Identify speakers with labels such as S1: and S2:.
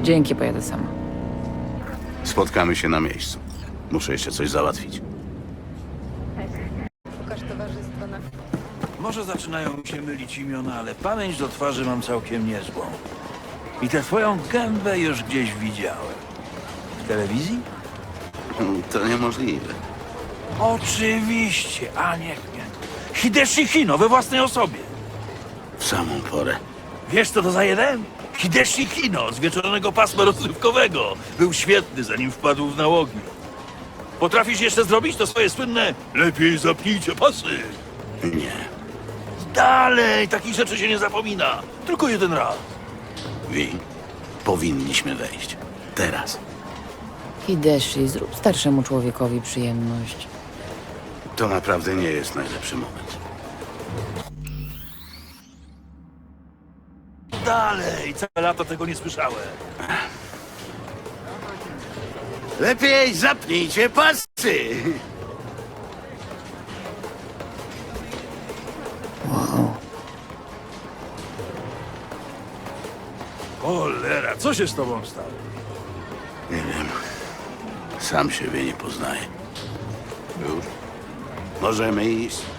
S1: Dzięki, pojadę sama.
S2: Spotkamy się na miejscu. Muszę jeszcze coś załatwić.
S3: Szukasz towarzystwa na...
S4: Może zaczynają mi się mylić imiona, ale pamięć do twarzy mam całkiem niezłą. I tę twoją gębę już gdzieś widziałem. W telewizji?
S2: To niemożliwe.
S4: Oczywiście, a niech mnie. Hideshi Hino we własnej osobie.
S2: W samą porę.
S4: Wiesz co to za jeden? Hideshi Hino z wieczornego pasma rozrywkowego. Był świetny, zanim wpadł w nałogi. Potrafisz jeszcze zrobić to swoje słynne lepiej zapnijcie pasy.
S2: Nie.
S4: Dalej, takich rzeczy się nie zapomina. Tylko jeden raz.
S2: Wi, powinniśmy wejść. Teraz.
S1: Hideshi, zrób starszemu człowiekowi przyjemność.
S2: To naprawdę nie jest najlepszy moment.
S4: Dalej, całe lata tego nie słyszałem.
S2: Lepiej zapnijcie pasy!
S1: Wow.
S4: Cholera, co się z tobą stało?
S2: Nie wiem. Sam siebie nie poznaję. Już? Możemy iść.